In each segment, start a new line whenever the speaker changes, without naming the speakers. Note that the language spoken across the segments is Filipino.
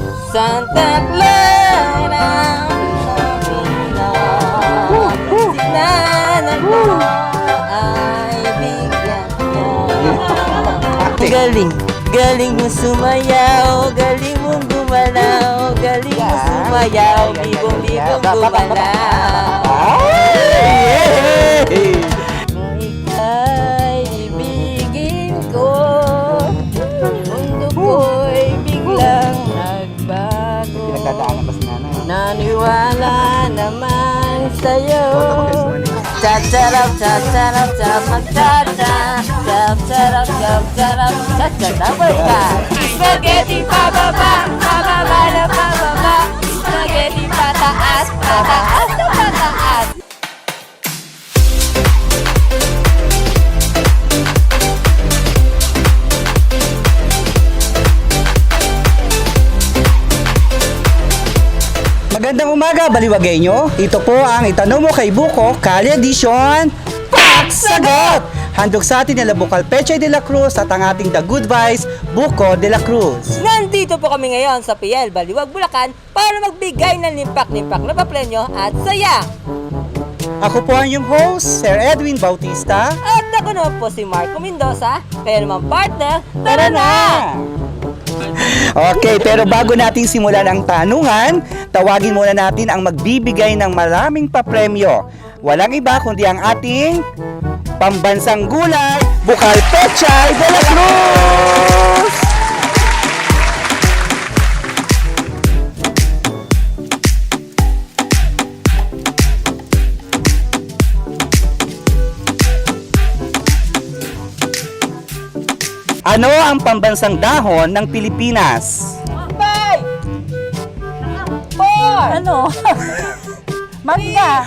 Santa Clara, sinanan mo ay bigyan niya. Galing, galing mo sumayaw, galing mong gumalaw, galing mo sumayaw, bigong-bigong gumalaw. Kung ika'y ibigin ko, mundo ko'y biglang nagbago. Naniwala naman sa'yo. Cha-charap, cha-charap, cha-mag-cha-cha. Cha-charap, cha-charap, cha-cha. Spaghetti pababa, pababa na pababa. Spaghetti pataas, pataas na pataas.
Magandang umaga, baliwagay nyo. Ito po ang Itanong Mo Kay Buko, Kali Edition, Paksagot! Handog sa atin nila Bukal Pechay de la Cruz at ang ating The Good Vice, Buko de la Cruz.
Nandito po kami ngayon sa PL Baliwag, Bulacan para magbigay ng limpak-limpak na papremyo at saya.
Ako po ang yung host, Sir Edwin Bautista.
At ako naman po si Marco Mendoza, pero mga partner, tara na!
Okay, pero bago natin simulan ang tanungan, tawagin muna natin ang magbibigay ng maraming papremyo. Walang iba kundi ang ating pambansang gulay, Bukal Pechay de la Cruz! Ano ang pambansang dahon ng Pilipinas?
5 4
Ano? Mangga.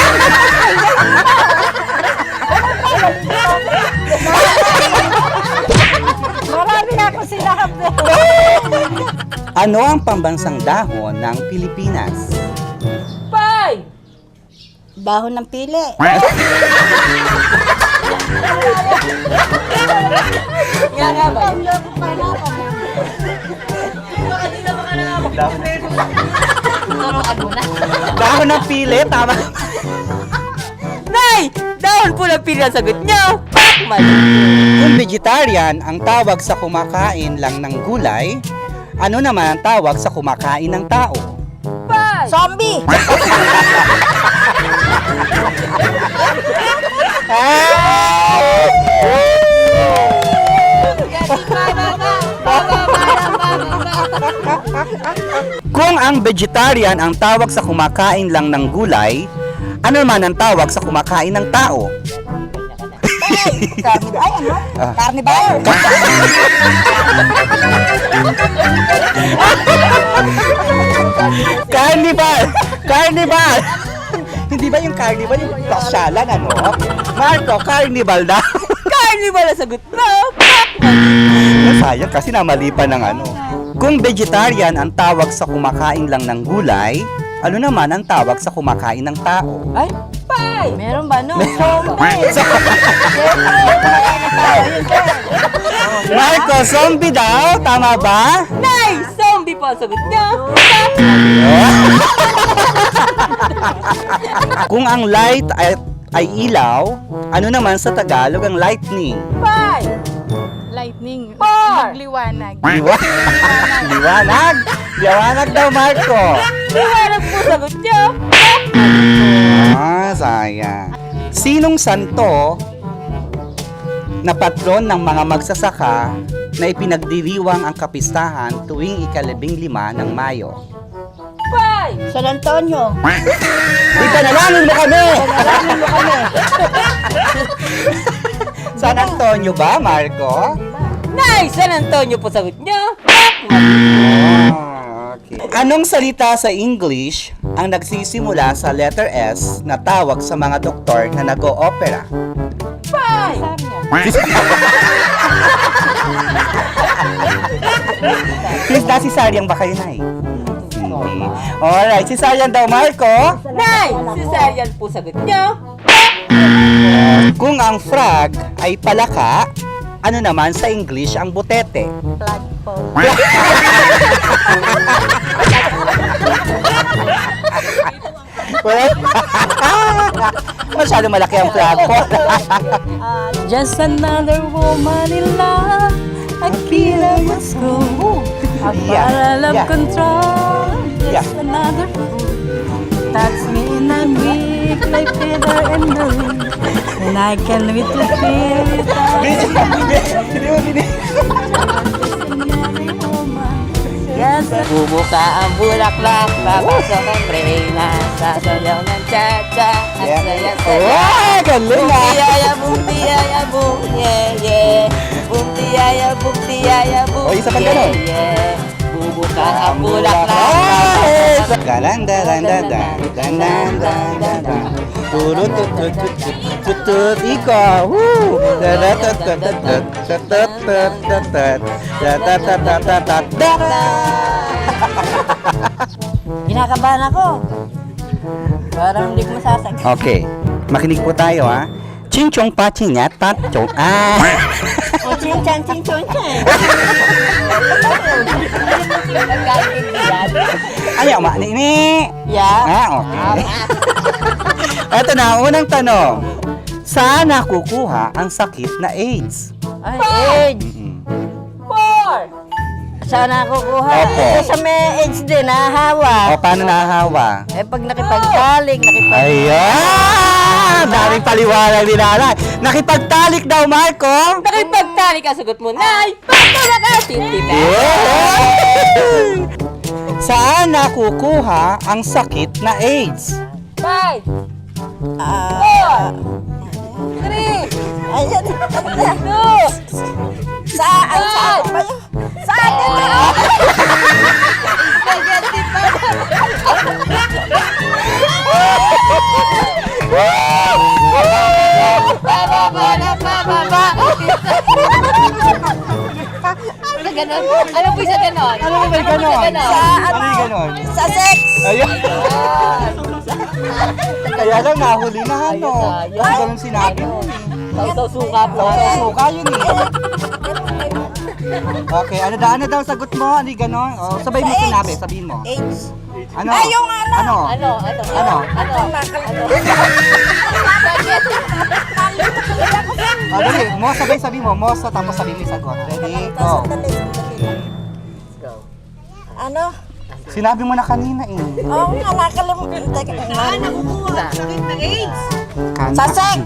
Marami na ako sinabi.
Ano ang pambansang dahon ng Pilipinas?
5
Dahon ng pili.
Nga ba? Turuan mo na.
Dahon ng pili, tama.
Nay! Dahon po ng pili ang sagot niyo! Mali.
Kung vegetarian ang tawag sa kumakain lang ng gulay, ano naman ang tawag sa kumakain ng tao?
5
Zombie.
Kung ang vegetarian ang tawag sa kumakain lang ng gulay, ano naman ang tawag sa kumakain ng tao?
Carnivore. Ay, ano? Carnivore.
Carnival! Carnival! Hindi ba yung carnival yung pasyalan, ano? Marco, carnival daw.
Carnival ang sagot mo!
Sayang kasi namali pa ng ano. Kung vegetarian ang tawag sa kumakain lang ng gulay, ano naman ang tawag sa kumakain ng tao?
Ay, 5
Meron ba no? Zombie.
Marco, zombie daw? Tama ba?
Nay! Zombie po ang sagot niyo!
Kung ang light ay ilaw, ano naman sa Tagalog ang lightning?
5
Lightning.
4
Liwanag.
Liwanag! Liwanag daw, Marco!
Liwanag po sagot niyo!
Sayang. Sinong santo na patron ng mga magsasaka na ipinagdiriwang ang kapistahan tuwing ika-15 ng Mayo?
5
San Antonio.
Ipanalangin mo kami! San Antonio ba, Marco?
Nay! San Antonio po sagot niyo!
Okay. Anong salita sa English ang nagsisimula sa letter S na tawag sa mga doktor na nag-o-opera?
5
Please, cesarean ba kayo, Nay? Hindi. Alright, cesarean daw, Marco.
Nay! Cesarean po sagot niyo!
Kung ang frog ay palaka, ano naman sa English ang butete?
Flagpole.
Masyado malaki ang plafon.
Just another woman in love. Akira must go. A
Yeah,
bottle of
yeah.
control.
Yeah.
Just another fool. Touch me in a week like feather in the wind. And I can wait to feel it. Yes,
Bubuka ang bulaklak, papasok ang prena, sasayaw ng cha-cha, ang
Yeah.
saya-saya.
Wow, galing ah.
Bumtiyaya, bumtiyaya, bum, yeah, yeah. Bumtiyaya, bumtiyaya, bum,
O, isa pang
yeah,
ganon.
yeah. Bubuka ang bulaklak,
Ay!
papasok ang
Galan, galan, galan, galan, galan, galan. Turut, tut, tut, tut, tut, tut, tut, ikaw. Woo! Tarat, tut, tut, tut, tut, tut, tut, tut, tut, tut. Tatat, tatat, tatat, tatat.
kinakabahan ako. Parang hindi ko masasag.
Okay, makinig po tayo ha. Chinchong pachinya tatchong.
O, chinchan, chinchan, chan.
nagkaintindihan.
Ayaw ma, nini.
Yeah.
Okay. Ito na, unang tanong. Saan nakukuha ang sakit na AIDS?
Ay, AIDS.
Mm-mm.
4.
Saan nakukuha?
Opo.
Ito sa may AIDS din, nahahawa.
O, paano nahahawa?
Eh, pag nakipagtalik,
Ayan! Daming paliwanag ni Nanay. Nakipagtalik daw, Marco.
Nakipagtalik ang sagot mo, Nay! Pagtawag ka, 50 pesos.
Yeah! Saan nakukuha ang sakit na AIDS?
5,
Ah,
3,
ayan.
2,
Saan? Saan ba yun? Saan ito?
Ganon. Ano po isa ganon?
Ano ba may ganon?
Sa
Ano yung
ano?
ganon?
Sa sex.
Ayun. Kaya lang nahuli na ano.
Ayos,
Kasi ganun sinabi mo.
Ito suka po.
Suka yun eh. Okay, ano daw sagot mo? Ano yung ganon? O, sabay mo
Sa
sinabi,
AIDS.
sabihin mo.
AIDS.
Ano?
Ay, yung ano.
Ano?
Ano?
Ano? Dali, mo sabay sabihin mo. Mo sa tapos sabihin mo yung sagot. Ready? Go.
Ano?
Sinabi mo na kanina eh.
Oo nga, nakalimutan. Teka, nakukuha. Sakit ng AIDS. Sa sex.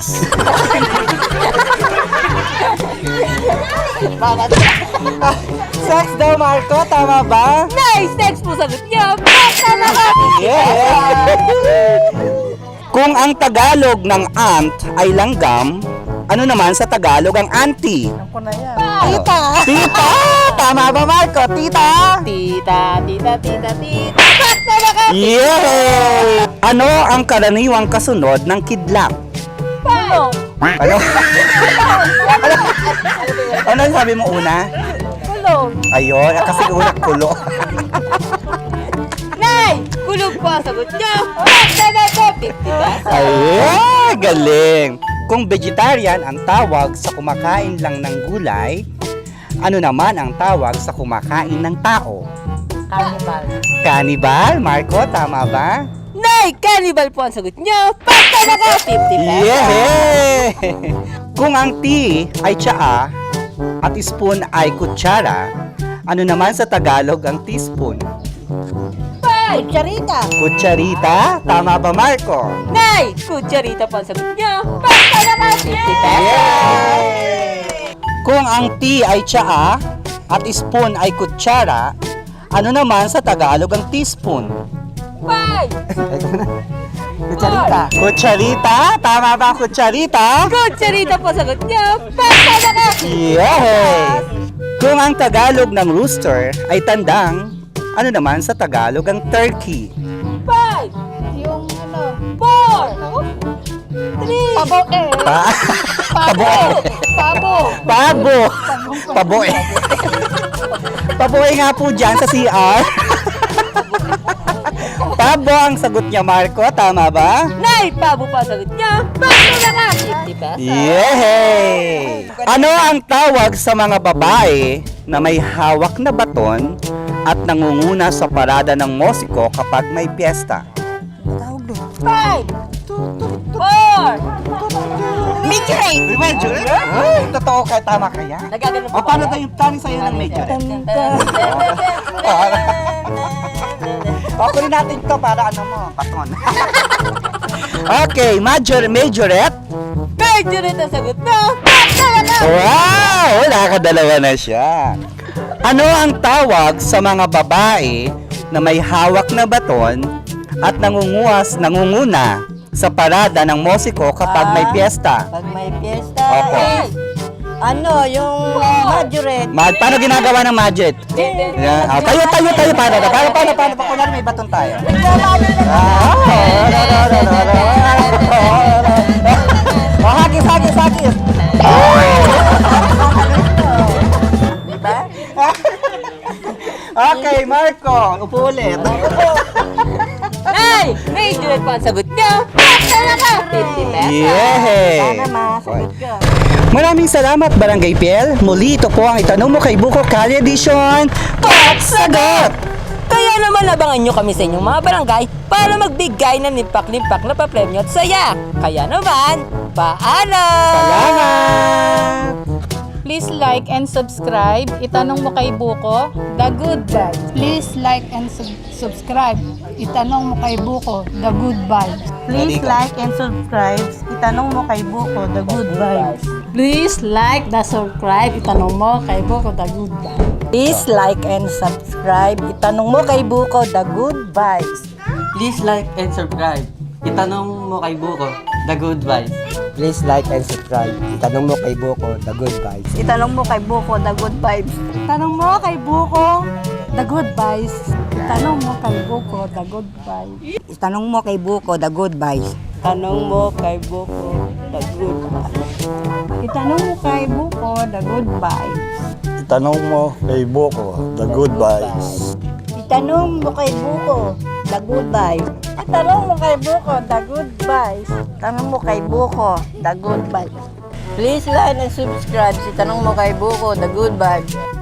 Sex daw, Marco. Tama ba?
Nice! Next po sagot niyo. Basta na ka!
Yeah! Kung ang Tagalog ng aunt ay langgam, ano naman sa Tagalog ang auntie?
Ako na yan.
Tita! Tita! Tama ba, Marco? Tita!
Tita, tita, tita, tita. Basta na ka!
Yeah! Ano ang karaniwang kasunod ng kidlap?
Ano?
Ano? Ano sabi mo una?
Kulong.
Ayun, kasi una kulo.
Nay! Kulong po ang sagot niyo. Basta na ka! 50 pesos.
Ayun, galing. Kung vegetarian ang tawag sa kumakain lang ng gulay, ano naman ang tawag sa kumakain ng tao?
Carnival.
Cannibal? Marco, tama ba?
Nay! Cannibal po ang sagot niyo. Basta na ka! 50 pesos.
Yeah! Kung ang tea ay tsaa at spoon ay kutsara, ano naman sa Tagalog ang teaspoon?
5.
Charita.
Kutsarita? Tama ba, Marco?
Nay! Kutsarita po ang sagot niyo. Basta na ka! 50 pesos.
Yeah! Kung ang tea ay tsaa at spoon ay kutsara, ano naman sa Tagalog ang teaspoon?
5.
Kutsarita. Kutsarita? Tama ba ang kutsarita?
Kutsarita po ang sagot niyo. Basta na ka!
Yeah! Kung ang Tagalog ng rooster ay tandang, ano naman sa Tagalog ang turkey?
5.
Yung ano.
4. 3.
Pabo eh.
Pabo.
Pabo.
Pabo. Paboy. Paboy nga po dyan sa CR. Pabo ang sagot niya, Marco. Tama ba?
Nay! Pabo pa ang sagot niyo. Basta na ka! 50 pesos.
Yay! Ano ang tawag sa mga babae na may hawak na baton at nangunguna sa parada ng musiko kapag may piyesta?
Tawag doon.
5, 4, major 8.
Medyo Ay, totoo ka, tama ka yan.
Nagaganon
O, paano tayo tanin sa'yo ng medyo Pakunin natin to para ano mo, paton. Okay, majorette.
Major 8 ang sagot mo.
Wow! Nakakadalawa na siya. Ano ang tawag sa mga babae na may hawak na baton at nangunguna sa parada ng musiko kapag may piyesta?
Pag may piyesta,
Opo.
ano, yung majorette.
Paano ginagawa ng majorette? Yan. Tayo. Paano? Kunwari may baton tayo. Hagis.
Diba?
Okay, Marco. Upo ulit.
Ay! Major 8 po ang sagot nyo. Talaga! 50 pesos.
Yay!
Sana masagot ka.
Maraming salamat, Barangay PL. Muli ito po ang itanong mo kay Buko Kali Edition. Top Sagot!
Kaya naman abangan nyo kami sa inyong mga barangay para magbigay ng limpak-limpak na papremyo at saya. Kaya naman, paalam!
Salamat!
Please like and subscribe. Itanong mo kay Buko, The Good Vibes. Please like and subscribe. Itanong mo kay Buko, The Good Vibes.
Please like and subscribe. Itanong mo kay Buko, The Good Vibes.
Please like the subscribe. Itanong mo kay Buko, The Good Vibes.
Please like and subscribe. Itanong mo kay Buko, The Good Vibes.
Please like and subscribe. Itanong mo kay Buko, The Good Vibes.
Please like and subscribe. Itanong mo kay Buko, The Good Vibes.
Itanong mo kay Buko, The Good Vibes.
Itanong mo kay Buko, The Good Vibes. Itanong mo kay Buko, The Good Vibes.
Itanong mo kay Buko, The Good Vibes. Itanong mo kay Buko, The Good Vibes.
Itanong mo kay Buko, The Good Vibes.
Itanong mo kay Buko, The Good Vibes.
Itanong mo kay Buko, The Good Vibes. Itanong mo kay Buko, The Good Vibes. Itanong mo kay Buko, The Good Vibes. Please like and subscribe. Itanong mo kay Buko, The Good Vibes.